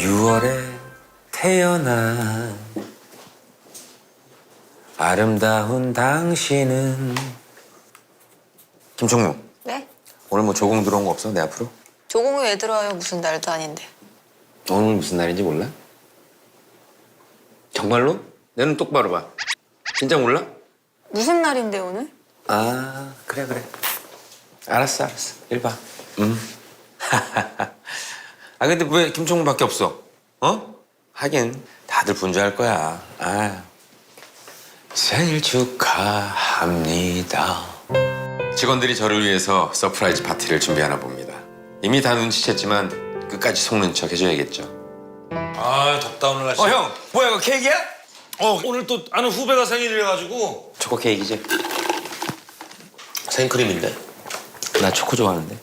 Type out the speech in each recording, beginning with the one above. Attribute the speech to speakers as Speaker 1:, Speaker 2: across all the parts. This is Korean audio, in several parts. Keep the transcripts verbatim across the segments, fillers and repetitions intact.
Speaker 1: 유월에 태어난 아름다운 당신은. 김총무.
Speaker 2: 네?
Speaker 1: 오늘 뭐 조공 들어온 거 없어? 내 앞으로?
Speaker 2: 조공이 왜 들어와요? 무슨 날도 아닌데.
Speaker 1: 오늘 무슨 날인지 몰라? 정말로? 내 눈 똑바로 봐. 진짜 몰라?
Speaker 2: 무슨 날인데 오늘?
Speaker 1: 아, 그래 그래. 알았어 알았어. 일 봐. 음. 아 근데 왜 김총무밖에 없어? 어? 하긴 다들 분주할 거야. 아. 생일 축하합니다. 직원들이 저를 위해서 서프라이즈 파티를 준비하나 봅니다. 이미 다 눈치챘지만 끝까지 속는 척 해줘야겠죠.
Speaker 3: 아 덥다 오늘 날씨.
Speaker 1: 어 형, 뭐야 이거 케이크야?
Speaker 3: 어 오늘 또 아는 후배가 생일이라가지고.
Speaker 1: 초코 케이크지?
Speaker 3: 생크림인데.
Speaker 1: 나 초코 좋아하는데.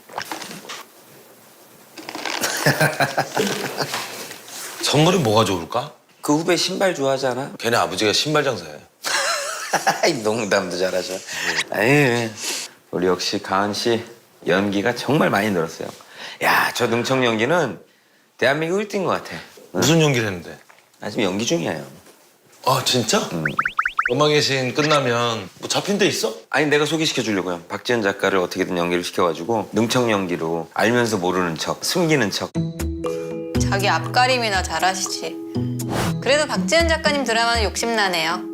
Speaker 3: 선물이 뭐가 좋을까?
Speaker 1: 그 후배 신발 좋아하잖아.
Speaker 3: 걔네 아버지가 신발 장사해.
Speaker 1: 농담도 잘하셔. 에이, 우리 역시 가은 씨 연기가 정말 많이 늘었어요. 야, 저 능청 연기는 대한민국 일 등인 것 같아.
Speaker 3: 무슨 연기를 했는데?
Speaker 1: 나 지금 연기 중이야. 형.
Speaker 3: 아 진짜?
Speaker 1: 음.
Speaker 3: 음악의 신 끝나면 뭐 잡힌 데 있어?
Speaker 1: 아니 내가 소개시켜 주려고요. 박지현 작가를 어떻게든 연기를 시켜가지고 능청 연기로 알면서 모르는 척, 숨기는 척.
Speaker 2: 자기 앞가림이나 잘하시지. 그래도 박지현 작가님 드라마는 욕심나네요. 해지마!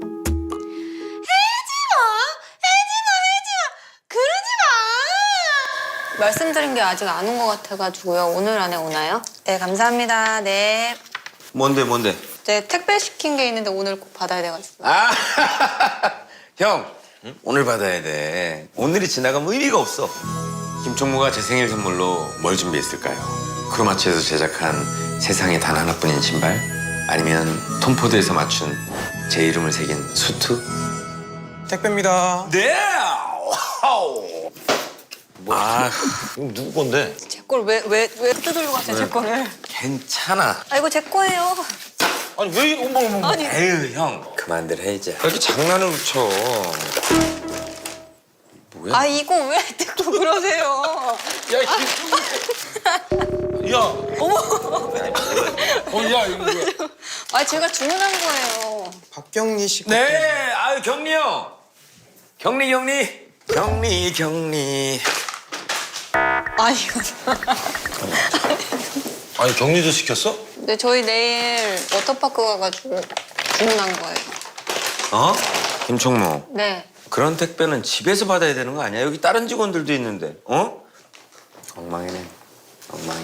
Speaker 2: 해지마! 해지마! 그러지 마! 말씀드린 게 아직 안 온 것 같아가지고요. 오늘 안에 오나요? 네, 감사합니다. 네.
Speaker 1: 뭔데 뭔데?
Speaker 2: 네, 택배 시킨 게 있는데 오늘 꼭 받아야 돼가지고.
Speaker 1: 아, 형 응? 오늘 받아야 돼. 오늘이 지나가면 의미가 없어. 김총무가 제 생일 선물로 뭘 준비했을까요? 크로마치에서 제작한 세상에 단 하나뿐인 신발? 아니면 톰포드에서 맞춘 제 이름을 새긴 수트?
Speaker 3: 택배입니다.
Speaker 1: 네! 뭐,
Speaker 3: 아 이거 누구 건데?
Speaker 2: 제 걸 왜, 왜, 왜 뜯으러 갔어요, 제 거를?
Speaker 1: 괜찮아.
Speaker 2: 아, 이거 제 거예요.
Speaker 3: 아니 왜 이거 어머 어머.
Speaker 2: 아니.
Speaker 1: 에휴, 형. 그만들 해, 이제. 왜 이렇게 장난을 쳐? 뭐야?
Speaker 2: 아, 이거 왜 뜯고 그러세요?
Speaker 3: 야 이. 야.
Speaker 2: 어머.
Speaker 3: 어 야 이거 뭐야?
Speaker 2: 아, 제가 주문한 거예요.
Speaker 4: 박경리 씨.
Speaker 1: 네, 아유, 경리 형. 경리, 경리. 경리, 경리.
Speaker 2: 아니, 이거.
Speaker 3: 아니 격리도 시켰어?
Speaker 2: 네, 저희 내일 워터파크 가가지고 주문한 거예요.
Speaker 1: 어? 김총무.
Speaker 2: 네.
Speaker 1: 그런 택배는 집에서 받아야 되는 거 아니야? 여기 다른 직원들도 있는데, 어? 엉망이네, 엉망해.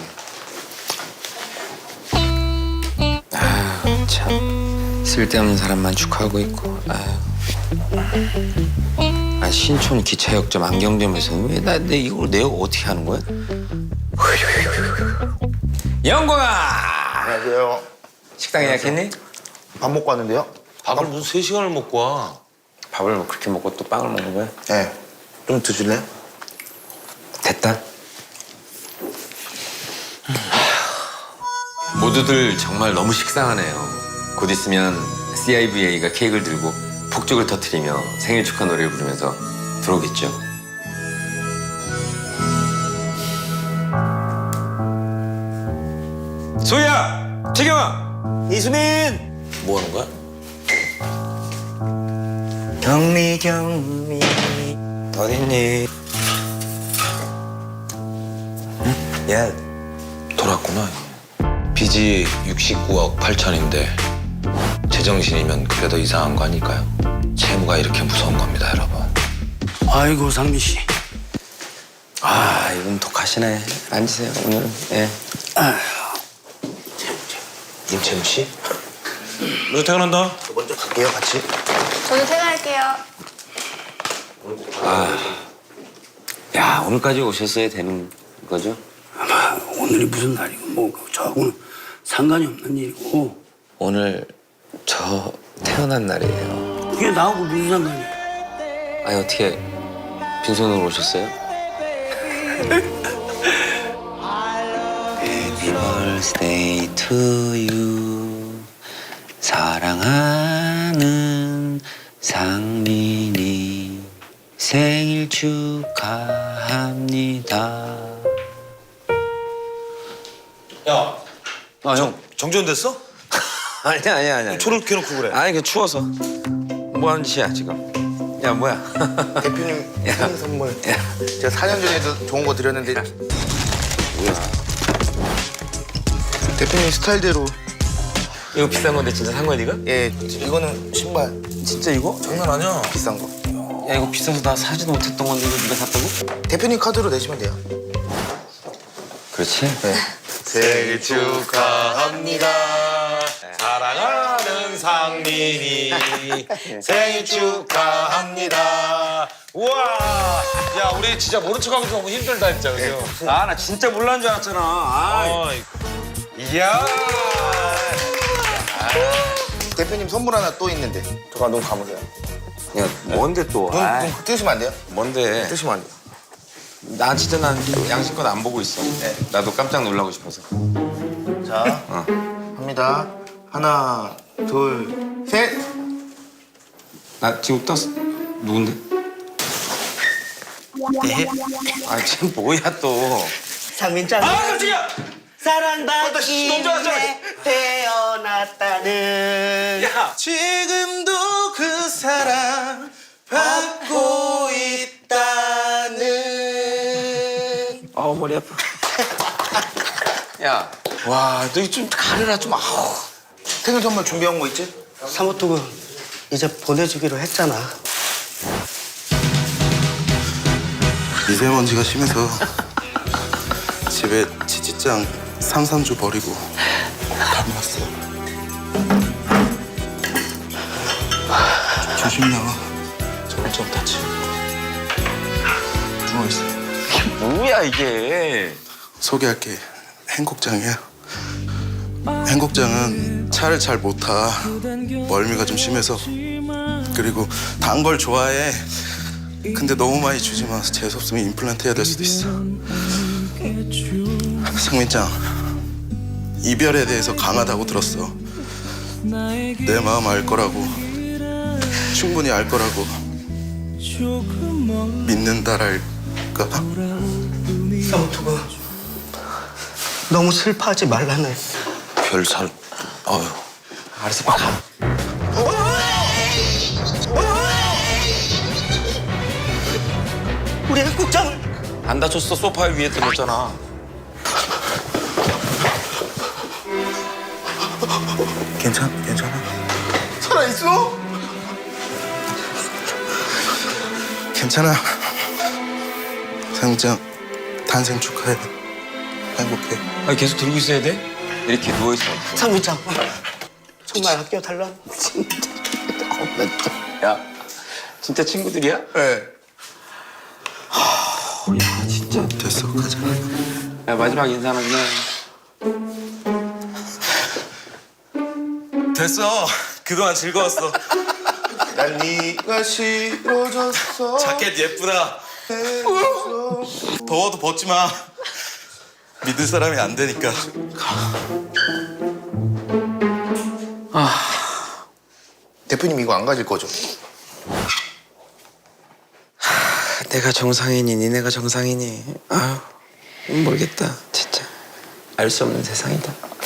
Speaker 1: 아, 참. 쓸데없는 사람만 축하하고 있고, 아유. 아, 신촌 기차역점 안경점에서 왜 나 내 이걸 내가 어떻게 하는 거야? 영광아!
Speaker 4: 안녕하세요.
Speaker 1: 식당 예약했니?
Speaker 4: 밥 먹고 왔는데요.
Speaker 3: 밥을 무슨 세 시간을 먹고 와.
Speaker 1: 밥을 뭐 그렇게 먹고 또 빵을 먹는 거야?
Speaker 4: 네. 좀 드실래요?
Speaker 1: 됐다. 모두들 정말 너무 식상하네요. 곧 있으면 씨아이브이에이가 케이크를 들고 폭죽을 터뜨리며 생일 축하 노래를 부르면서 들어오겠죠. 소희야! 재경아! 이수민!
Speaker 3: 뭐 하는 거야?
Speaker 1: 경리 경리 어딨니? 응? 야,
Speaker 3: 돌았구나. 빚이 육십구억 팔천인데 제정신이면 그래도 이상한 거 아닐까요? 채무가 이렇게 무서운 겁니다, 여러분.
Speaker 5: 아이고 상민 씨.
Speaker 1: 아, 이분 독하시네. 앉으세요, 오늘은. 예.
Speaker 3: 임채무 씨? 너 퇴근한다.
Speaker 4: 저 먼저 갈게요, 같이.
Speaker 2: 저도 퇴근할게요.
Speaker 1: 야, 오늘까지 오셨어야 되는 거죠?
Speaker 5: 아마 오늘이 무슨 날이고 뭐 저하고는 상관이 없는 일이고
Speaker 1: 오늘 저 태어난 날이에요.
Speaker 5: 그게 나하고 무슨 상관이야.
Speaker 1: 아니, 어떻게 빈손으로 오셨어요? Happy birthday to you. 사랑하는 상민이 생일 축하합니다.
Speaker 3: 야,
Speaker 1: 아, 형.
Speaker 3: 정지훈됐어?
Speaker 1: 아니야, 아니야, 아니야.
Speaker 3: 초를 켜놓고 그래.
Speaker 1: 아니, 그 추워서. 뭐 하는 짓이야, 지금? 야, 뭐야?
Speaker 4: 대표님
Speaker 1: 야.
Speaker 4: 생일 선물.
Speaker 1: 야.
Speaker 4: 제가 사 년 전에도 좋은 거 드렸는데.
Speaker 1: 뭐야?
Speaker 4: 대표님 스타일대로.
Speaker 1: 이거 비싼 건데 진짜 산 거야, 네가?
Speaker 4: 예, 이거는 신발
Speaker 1: 진짜 이거?
Speaker 3: 장난 아니야.
Speaker 4: 비싼 거.
Speaker 1: 야, 이거 비싸서 나 사지도 못했던 건데 이거 네가 샀다고?
Speaker 4: 대표님 카드로 내시면 돼요.
Speaker 1: 그렇지.
Speaker 4: 네.
Speaker 3: 생일 축하합니다. 사랑하는 상민이 생일 축하합니다. 우와. 야, 우리 진짜 모른 척하고 너무 힘들다 진짜. 그죠?
Speaker 1: 아, 나 진짜 몰라는 줄 알았잖아. 아,
Speaker 3: 어, 이야.
Speaker 4: 대표님 선물 하나 또 있는데. 잠깐 눈 감으세요.
Speaker 1: 야, 뭔데 또?
Speaker 4: 눈,
Speaker 1: 아,
Speaker 4: 눈 뜨시면 안 돼요?
Speaker 1: 뭔데?
Speaker 4: 뜨시면 안 돼요.
Speaker 1: 난 진짜 난 양심껏 안 보고 있어.
Speaker 4: 네.
Speaker 1: 나도 깜짝 놀라고 싶어서.
Speaker 4: 자,
Speaker 1: 어.
Speaker 4: 합니다. 하나, 둘, 셋.
Speaker 1: 나 지금 떴어. 누군데?
Speaker 4: 네.
Speaker 1: 아, 지금 뭐야 또?
Speaker 5: 상민짱
Speaker 3: 아, 깜짝이야.
Speaker 5: 사랑받기
Speaker 3: 너무 좋았잖아.
Speaker 5: 위해 태어났다는
Speaker 3: 야.
Speaker 4: 지금도 그 사랑 받고 있다는.
Speaker 1: 아우, 머리 아파. 야, 와, 너 좀 가르라 좀. 아우.
Speaker 4: 생일 선물 준비한 거 있지?
Speaker 5: 사모토군 이제 보내주기로 했잖아.
Speaker 6: 미세먼지가 심해서 집에 지지짱 산산조 버리고 다녀왔어요. 조심히 나와. 저런 좀 다치. 누워있어요.
Speaker 1: 뭐야, 이게.
Speaker 6: 소개할게. 행곡장이야. 행곡장은 차를 잘 못 타. 멀미가 좀 심해서. 그리고 단 걸 좋아해. 근데 너무 많이 주지 마. 재수 없으면 임플란트 해야 될 수도 있어. 상민짱, 이별에 대해서 강하다고 들었어. 내 마음 알 거라고. 충분히 알 거라고. 믿는다랄까?
Speaker 5: 사모토군 너무 슬퍼하지 말라네.
Speaker 1: 별 살. 어휴. 알았어, 빨리 가.
Speaker 5: 우리 행국장을
Speaker 1: 안 다쳤어. 소파 위에 들었잖아.
Speaker 6: 괜찮, 괜찮아?
Speaker 4: 살아있어?
Speaker 6: 괜찮아. 상민짱, 탄생 축하해. 행복해.
Speaker 1: 아, 계속 들고 있어야 돼? 이렇게 누워있어.
Speaker 5: 상민짱 정말 아껴달라.
Speaker 1: 야, 진짜 친구들이야?
Speaker 4: 네.
Speaker 1: 야, 진짜.
Speaker 6: 됐어, 가자.
Speaker 1: 야, 마지막 인사는 그냥.
Speaker 3: 됐어. 그동안 즐거웠어.
Speaker 4: 난 네가 싫어졌어.
Speaker 3: 자켓 예쁘다. 더워도 벗지 마. 믿을 사람이 안 되니까.
Speaker 4: 대표님 이거 안 가질 거죠?
Speaker 1: 내가 정상이니 니네가 정상이니. 아유, 모르겠다. 진짜. 알 수 없는 세상이다.